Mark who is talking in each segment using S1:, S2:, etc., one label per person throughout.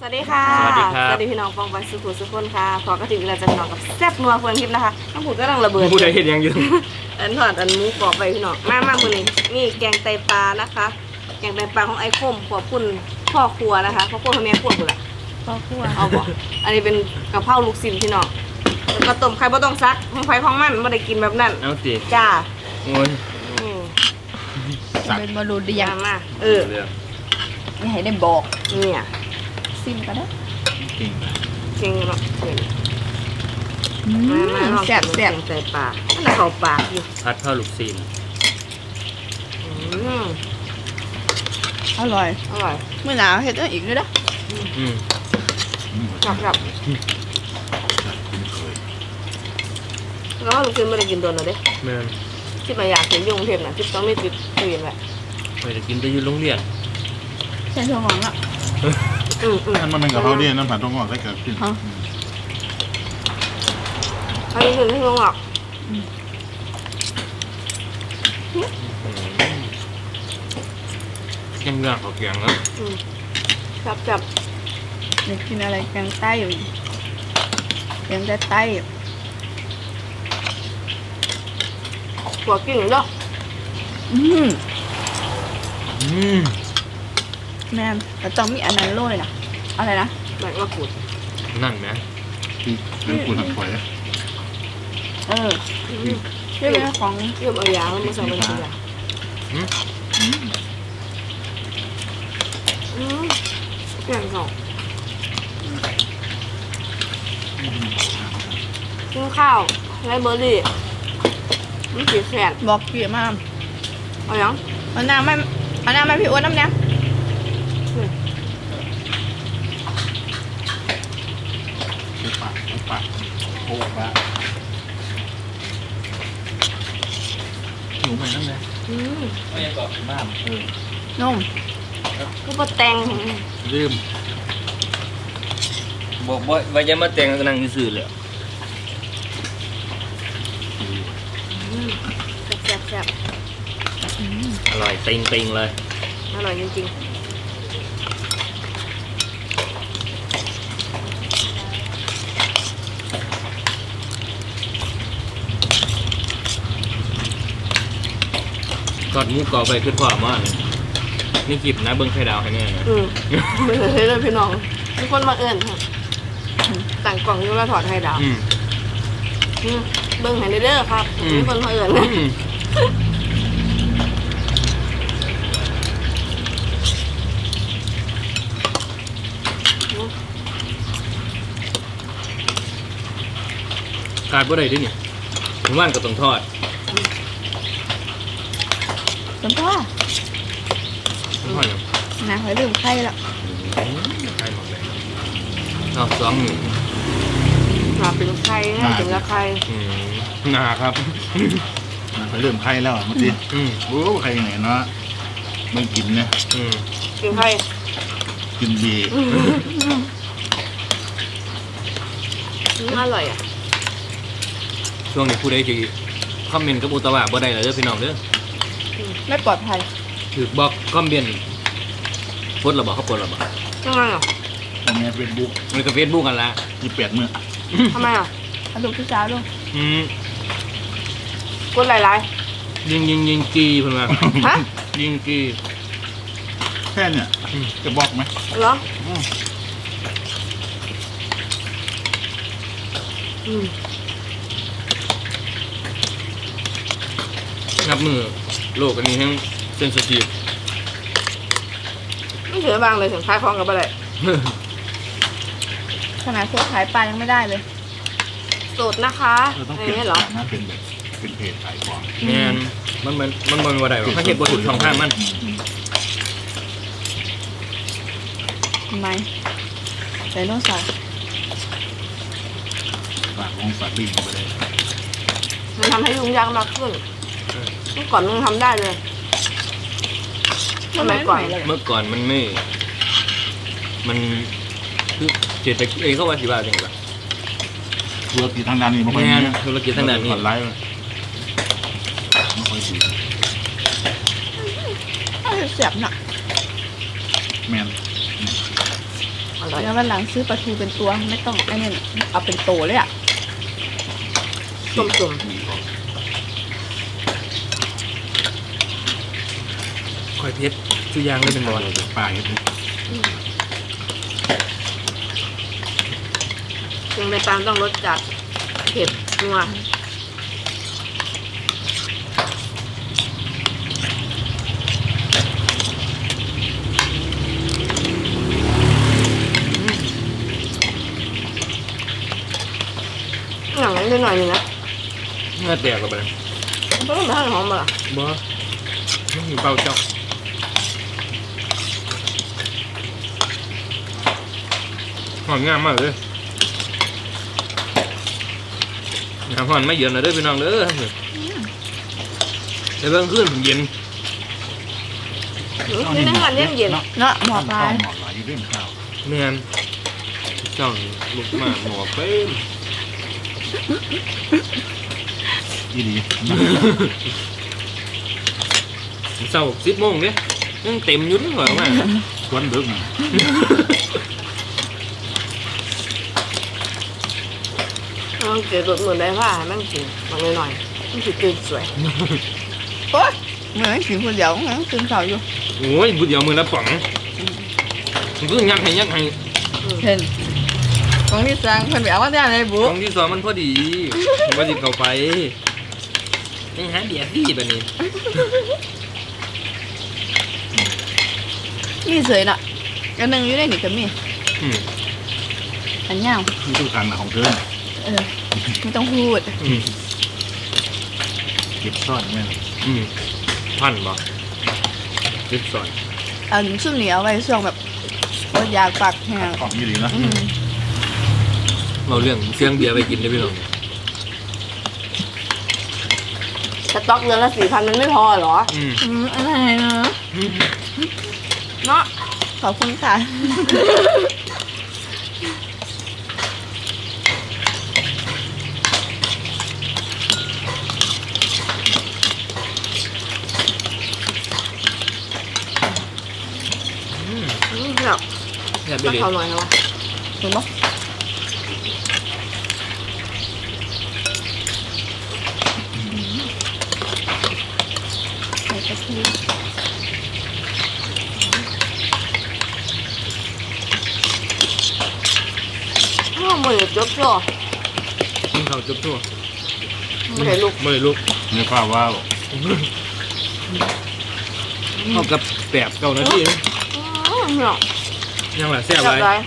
S1: วัสดีค่ะ
S2: สวัสดีครับ
S1: สวัสดีพี่น้องฟองไปสุขุสุขคนค่ะพอกระถิ่นเราจะพี่น้องกับแซ่บนัวเฟืองทิพย์นะคะน้ำผุดก็กำลังระเบิด
S2: ผู้ใดเห็นยังอยู่
S1: อันถอดอันหมูกรอบไปพี่น้องมามือนี้นี่แกงไตปลานะคะแกงไตปลาของไอ้คมขอบคุณพ่อครัวนะคะพ่อครัวพ่อแม่ครัวกูแหละ
S3: พ่อครัว
S1: เอาบ่อันนี้เป็นกะเพราลูกชิ้นพี่น้องแล้วก็ต้มไข่บ่ต้องซักของไฟของมันไม่ได้กินแบบนั้น
S2: เอาสิ
S1: จ้า
S2: โอ้ย
S1: อืม
S3: เป็นบอลูเดีย
S1: ยางมา
S2: เรื่อง
S3: ไม่ให้ได้บอก
S1: เนี่ย
S3: ซิมก็ได้
S2: เก่ง
S1: เก่งเนาะเก่งมาลอง
S3: แซ่บ
S1: กิน
S3: แซ่บ
S1: แกงไตปลามันเข้าปากอยู่
S2: พัดข้าวลูกซีน
S1: อืม
S3: อร่อย
S1: อร่อย
S3: เมื่อหนาวเห็ดอีกด้วยนะ
S2: อืม
S1: ครับแล้วลูกชิ้นไม่ได้กินโดนเลยเด้
S2: แม่น
S1: ที่มาอยากเห็นยุงเทพน่ะที่ต้องไม่ติดตื่นแหละ
S2: ไปจะกินไปอยู่โรงเรียน
S3: ใช่ถั่วหอมอ่ะ
S4: อันมันเป็นกะเพราเนี่ยน้ำผัดต้องงอกได้เกิดขึ้น
S3: ฮะ
S1: อันนี้คือที่งอก
S2: แกงเรื่องเขาแกงแล้ว
S1: จับ
S3: อยากกินอะไรแกงใต้อยู่แกงใต้
S1: หัวกิ่งเนาะ
S3: อืม
S2: อืม
S3: แม่แต่ต้องมีอันนั้นโรยนะอะไรนะ
S1: ใบมะกรูด
S2: นั่นไหม
S4: ที่เรื่องกูทำฝอย
S3: เออที่เป็นของ
S1: เยื่อเอายาแล้วมาใส่บนเรือแกงสองกินข้าวไรเบอร์รี่มันสีแสบ
S3: บอกเกลี่ยมาก
S1: เอายัง
S3: เอาน้ำไม่พี่อ้วนน้ำเนี่ย
S4: คือปากโอ้ปะหนูไปนั่นเลย
S2: ไม่ยังบอก
S4: น้ำ
S3: นุ่ม
S1: คือปลาแตง
S4: ลืม
S2: บอกว่าจะมาแต่งกันนั่งซื่อๆเลย
S1: แซ่บ
S2: อร่อยติงเลย
S1: อร่อยจริง
S2: ทอดหมูกรอบไปขึ้นความมากเลยนี่คลิปนะเบิ้งไข่ดาวให้แม่นะ
S1: ไม่เคยเลยพี่น้องมีคนมาเอิญค่ะต่างกล่องอยูแล้วถอดให้ดาว เบิ้งให้เด้อครับมีคนมาเอิญ
S2: ขาดบ่ได้ด้วยนี่ผมว่านก็ต้องทอด
S3: จำพ่อ
S2: ทอดอย่าง
S3: นะหอยลืมไข่แล้ว
S2: ไข่หมดเลยเอาสองหนึ่ง
S1: หาเป็นไข่ง่ายถึงละไข่
S2: หนาครับ
S4: มันเริ่มไข้แล้วเมื่อกี้
S2: อืม
S4: โอ้ใครไหนเนาะไม่กินนะ
S2: อืม
S1: กินไข่
S4: กินบี
S1: อร่อยอ่ะ
S2: ช่วงนี้ผู้ใดที่คอมเมนต์กับอุตวะบ่ได้เลยเด้อพี่น้องเด้อ
S3: ไม่ปลอดภัย
S2: ถือบอกคอมเมนต์ปลดหรอบอกเขาปลดหรอบอก
S1: ทำไมอ่ะ
S4: ตรงนี้เฟซบุ๊ก
S2: มันก็เฟซบุ๊กกันละ
S4: ที่เปียกเมื่อ
S1: ทำไมอ่ะ
S3: เอาลูกพี่สาวลูก
S2: อืม
S1: กดหลาย
S2: ยิงกีเพิ่นว่า
S1: ๆฮะ
S2: ยิงกี
S4: แค่เนี่ยจะบอกไหม
S1: เหรออืม
S2: นับมือโลกอันนี้ทั้งเซนซิทีฟ
S1: ไม่เสือบางเลยถึงคล้ายคล้องกับอะไร
S3: ขนาดพวกขายปลายังไม่ได้เลย
S1: สูตรนะคะ
S4: เราต้อง
S1: อะไร
S4: เปลี่ยน
S1: เงี้ยเหรอ
S4: นะเป็นแบบเป็นเพจขายของ
S2: แม่นมันบ่ได้หรอกถ้าเก็บบ่ถูกช่องทางมัน
S3: ทำไมใส่โน้ตใส่
S4: ฝากของฝากลิงก์ไปเลย
S1: มันทำให้ยุ่งยากมากขึ้นเมื่อก่อนมึงทำได้เลยสมัยก่อน
S2: เมื่อก่อนมันไม่มันคือเศรษฐกิจเขาว่าสิว่าจังได๋
S4: ธุรกิจทางด้านนี้ไม่ค่อย
S2: แม่
S4: มี
S2: นธุรกิจทางด้านนี้
S4: ผ่อนไลฟ์ไม่ค่อยดี
S3: เอาเสียบหนัก
S4: แมน
S1: ออร่อย
S3: แล้ววันหลังซื้อปลาทูเป็นตัวไม่ต้องไอ้นี่เอาเป็นโตเลยอ่ะ
S1: ต้ม
S2: คอยเพชรชื่อยางได้เป็นบอล
S4: เดี๋ยวปลาเห็ด
S1: ๆยังไปตามต้องรสจัดเผ็ดนัวอย่างนั้นนิดหน่อยนึงนะ
S2: เงื่อแตกกับไปเลย
S1: เพราะมันไม่หอมมาล่ะ
S2: บอไม่มีเบาเจ้าหอมงามมากเลยน้ำหอนไม่เย็นเลยเด้อพี่น้องเด้อแต่เบื้องขึ้นผมเย็น
S1: นี่นั่งกันเย็นเย็น
S3: เนาะหมอปลา
S4: หมอปลาอยู่เรื่องข้าว
S2: แม่นเจ้าลุกมาหมอเป้ม
S4: อีดี
S2: เศร้า10 โมงเนี่ยยังเต็มอยุ่นเหรอแม่
S4: ชวนดึกนะ
S1: มันเกิดตัวเหมือนได้ผ้าให้มันกินมันหน่อยๆมันถือตื่นสวย
S3: โอ๊ยเหมือนกินคนเดียวงั้นกินข้าวอยู่
S2: โอ้ยบุดเดียวมือละป๋องมันก็ยักให้
S3: เห็นของที่สร้างเพิ่นไปเอามาได้ไหนบุ๊
S2: ป๋องที่สองมันพอดีว่าจิบเข้าไปยังหาเดียดดีแบบนี้
S3: นี่เฉยน่ะอันหนึงอยู่ในนี่ก็มี
S2: อืม
S3: อันยาว
S4: นี่ทุกทางของเธอ
S3: ไม่ต้องพูด
S2: อืม
S4: เก็บซ่อนแม่
S2: อืมพันบ่จิบสอน
S3: อันซุ่มนี่เอาไว้ช่วงแบบอดอยากปากแห้ง
S4: ของอีดีนะ
S2: เราเรื่องเสียงเบียร์ไปกินได้พี่น้อง
S1: สต็อกเดือนละ4,000มันไม่พอเหรอ
S2: อืม
S3: อะไรเนาะ
S1: เนาะ
S3: ขอบคุณค่ะ
S1: แบบ
S2: แซ่บไป
S1: ก็
S2: เลย
S1: เขาหน่อยนะวะ
S3: ถูกปะใส่กระเทียม
S1: อ้าวมือจบจ่อ
S2: กินข้าวจุ๊บทั่ว
S1: ไม่ได้ลูก
S2: ไม่ได้ลุก
S4: เนื้อปลาว่าว
S2: เท่ากับ8-9 นาทีนะ
S1: เนาะ
S2: ยังล่ะแซ่บ
S1: จั
S2: ไร
S1: บได้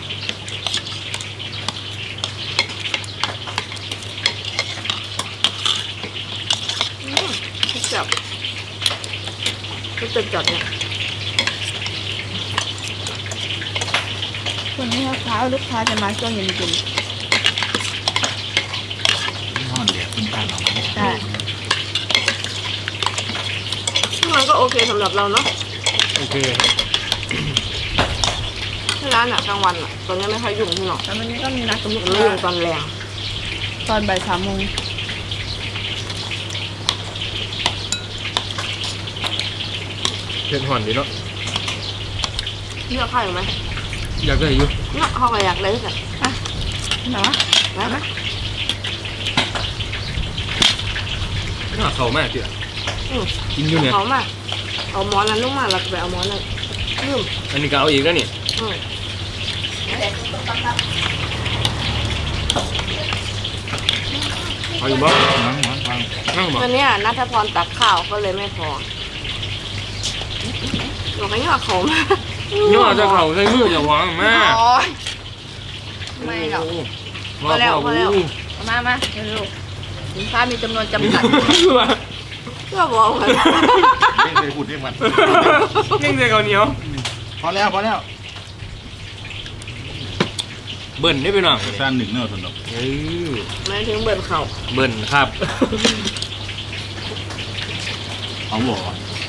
S1: จับก็จะจับเนี่ย
S3: วันนี้ลูกค้าจะมาช่วงเย็น
S4: ห่อนแดดเป็นการออกมา
S3: ๆใช่
S1: มันก็โอเคสำหรับเราเนาะ
S2: โอเค
S1: ที่ร้านอ่ะกลางวันอ่ะตอนนี้ไม่ค่อยยุ่งที่หรอก
S3: แล้ววันนี้ก็มีนัดกับลูก
S1: มันไม่
S3: ค้า
S1: ยุ่งตอนแรง
S3: ตอนบ่าย3 โมง
S2: เผ็ดห่อนดีเนาะ
S1: เลือกข้าวอยู่ไหม
S2: อยากได้อยู่
S1: เนาะเขาก็อยากได้กัน
S3: เนาะ
S1: นะ
S2: น่าเข้ามากเจ้ะ
S1: อืม
S2: กินอยู่เนี่ย
S1: เขามาเอาหมอนนั้นลงมาแล้วก็ไปเอาหมอนนั้นลืม
S2: อันนี้ก็เอาอีกแล้วนี่
S1: อืม
S2: เอาอยู่บ่
S4: นั่งวาง
S2: นั่งบ่
S1: ตอนเนี้ยนัทพรตักข้าวก็เลยไม่พอหนูก็ย่อเขามา
S2: ย่อจะเข่าใส่มือจะวางมา
S1: โอ๊ยไม่หรอก
S2: พอแล้ว
S1: พอแล้ว
S3: มาเร็วๆสินค้ามีจำนวนจำกัด
S1: ก็บอกเหมือน
S4: ๆเร่งไปพูดเรียกมัน
S2: เก่งใจเขาเหนียว
S4: พอแล้วพอแล้ว
S2: เบิ่นได้ไปหน่อย
S4: สั้นหนึ่งเนื้อสนุก
S2: เออ
S1: ไม่ถึงเบิดเขา
S2: เบิ่นครับ
S4: เอาหัว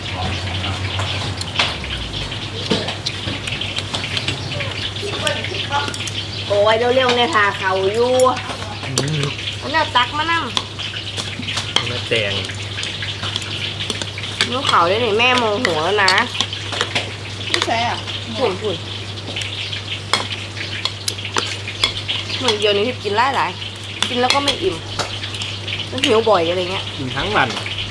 S1: โอ้ยเร็วๆเนี่ยทาเขาอยู่อันนี้ตักมานั่ง
S2: มาแตง
S1: ลูกเขาได้นี่แม่โมโหแล้วนะ
S3: ไม่ใช่อ่ะ
S1: ฝุ่นเหมือนเดี๋ยวนี้ที่กินหลายกินแล้วก็ไม่อิ่มมันหิวบ่อยอะไรเงี้ย
S2: กินทั้งวัน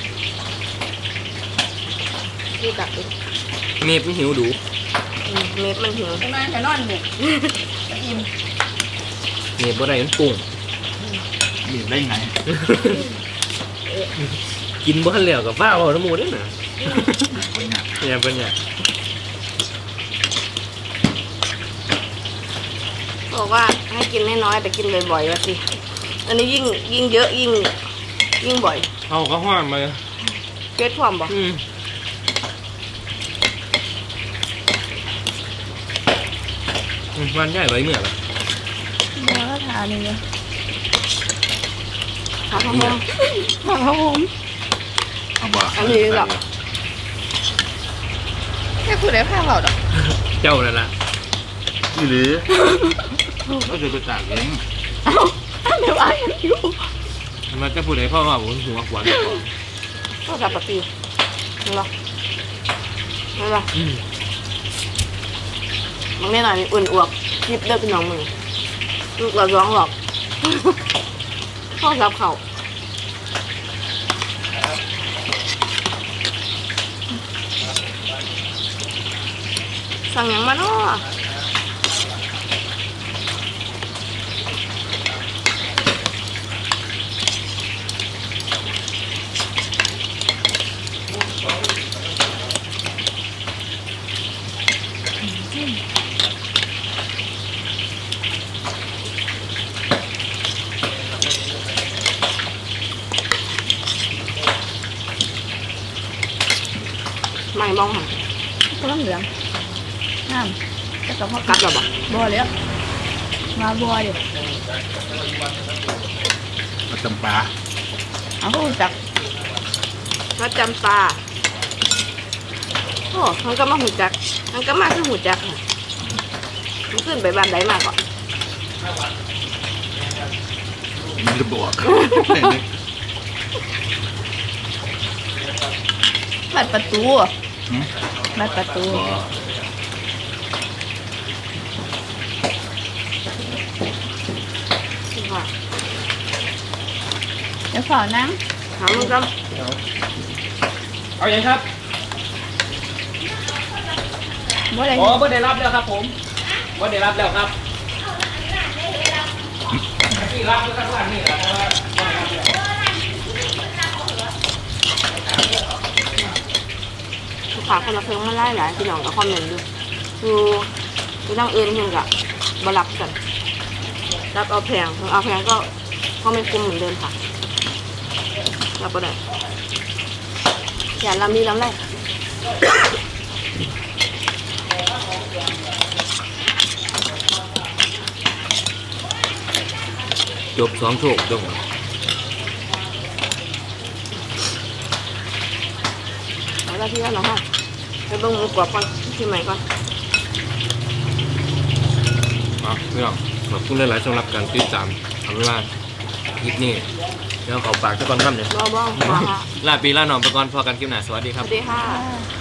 S1: ดูกัดดิ
S2: เมฟไม่หิวดู
S1: เม็ดมันหิว
S3: ทำไมแค่นอนหนึ่งอิ่ม
S2: เมฟบ่ได้มันปรุง
S4: บีบได้ไง
S2: กินบ่ทันแล้วกับฟ้าเอาน้ำมูได้น่ะ
S4: คนเนี่ย
S2: เนี่ยเป็นเนี่ย
S1: บอกว่าให้กินน้อยๆแต่กินบ่อยๆว่าสิอันนี้ยิ่งเยอะยิ่งบ่อย
S2: เอาก็ห้ามมา
S1: เกล็ดความบ่
S2: มันใหญ่ไว้เมื่อไหร่
S3: บัวก็ทานนี่เลย
S1: หาข้าวหอม
S3: ครับผม
S4: เอาบ่
S1: อันนี้หรอ
S3: แค่คุณได้ผ้าเปล่าดอก
S2: เจ้านั่นล่ะ
S4: นี่หรือก็จะไปตากเอง
S3: เอ้าเดี๋ยวไอ้ยังอยู่
S2: ทำไมจะพูดให้พ่อว่าผมหัวขวานก่อน
S1: ก็จับปะตีนี่หรอนี่หรอมันแน่นอนมีอุ่นอวกยิบเลือดเป็นน้องมึงลูกเราร้องหรอกพ่อรับเขาสั่งหยังมาเนาะไม่มองหัน
S3: ก็ต้องเหลืองน้ำจะกับพ่อ
S1: กัดหรอบ่
S3: บัวเลยมาบัวเดี๋ยว
S4: มาจำปา
S3: เอาเขาจัก
S1: ก็จำปาโอ้มันก็มาหูจักมันก็มาคือหูจักค่ะมันขึ้นไปบ้านใดมาก่อน
S4: ไม่ได้บอก
S3: บัดประตู
S4: หืม
S3: บัดประตู
S4: บอก
S1: ค่ะ
S3: เดี๋ยวขอนั่ง
S1: ถามมึงก็
S2: เอาอย่างครับ
S3: บัวอะไร
S2: อ๋อบ่ได้รับแล้วครับผมบ่ได้รับแล้วครับที่รับก็ข้างล่างนี่แหละเพราะว่าบ่ได้รับแล้ว
S1: ฝากคนละเพิ่งมาไล่หลายพี่น้องกับคอมเมนต์ดูคือนั่งอื่นเพิ่งกับบรับกันรับเอาแพงเอาแพงก็ไม่คุ้มเหมือนเดิมค่ะรับก็ได้อย่าลำนี้ลำไร
S2: จบ2โชคดง
S1: เอาละที่แล้วเนาะไปเบิ่งหมูกรอบก่อนที่ใหม่ก่อน
S2: อ๋อพี่น้องขอบคุณหลายๆสำหรับการติดตามเอาเป็นว่าคลิปนี้เดี๋ยวขอฝากทุกคนครับเนี่ย
S1: บ้าค่ะ
S2: ลาปีลาหนองไปก่อนพอกันคลิปหน้าสวัสดี
S1: ส
S2: ครับ
S1: วัสดีค่ะ
S3: อ่า